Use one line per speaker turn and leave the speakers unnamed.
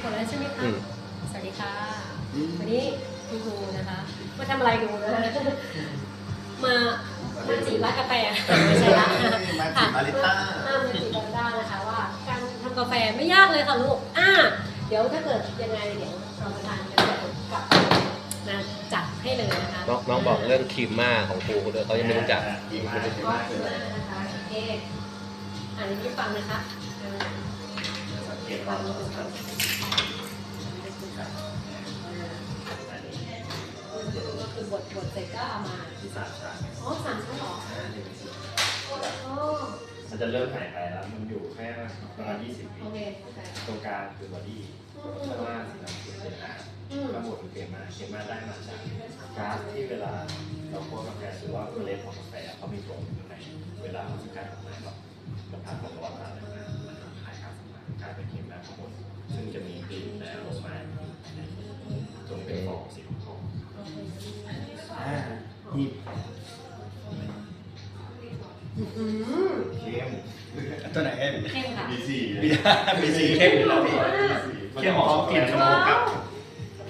ดแล้วใช่ไหมคะสวัสดีค่ะวันนี้คุณครูนะคะมาทำอะไรดูนะคะมาจีบร้านกาแฟไม่ใช่ละ
มาจีบมาริต้า
มาจีบมาริต้านะคะว่าการทำกาแฟไม่ยากเลยค่ะลูกเดี๋ยวถ้าเกิดยังไงเดี๋ยวเรามาทานกันกับนะจัดให้เลยนะคะ
น้องบอกเรื่องครีมม่าของครูด้วยเขายังไม่รู้จัก
ครีมม่านะคะโอเคอันนี้ฟังนะคะฟังก็คือบทเสร็จก็เอามา3 ชั้นอ๋อ3 ชั้นหรอ
มันจะเริ่มหายไปแล้วมันอยู่แค่ประมาณ20 วิตรงกลางคือบอดี้ข้างล่างสีน้ำเป็นน้ำข้างบนเป็นเคม่าได้มาจากก๊าซที่เวลาเราคั่วกาแฟหรือว่าเมล็ดของกาแฟเขามีตัวอยู่ในเวลาเขาจะกลายออกมาแบบมันผ่านความร้อนอะไรมามันทำให้ก๊าซออกมากลายเป็นเคม่าข้างบนซึ่งจะมีกลิ่นและอารมณ์จงเป็นฟองสีทองที่เข้มตัวไหนเข้ม
เข้มค่ะ
มี4เข้มอยู่แล้วพี่เข้มหอมกลิ่นชมพูกับ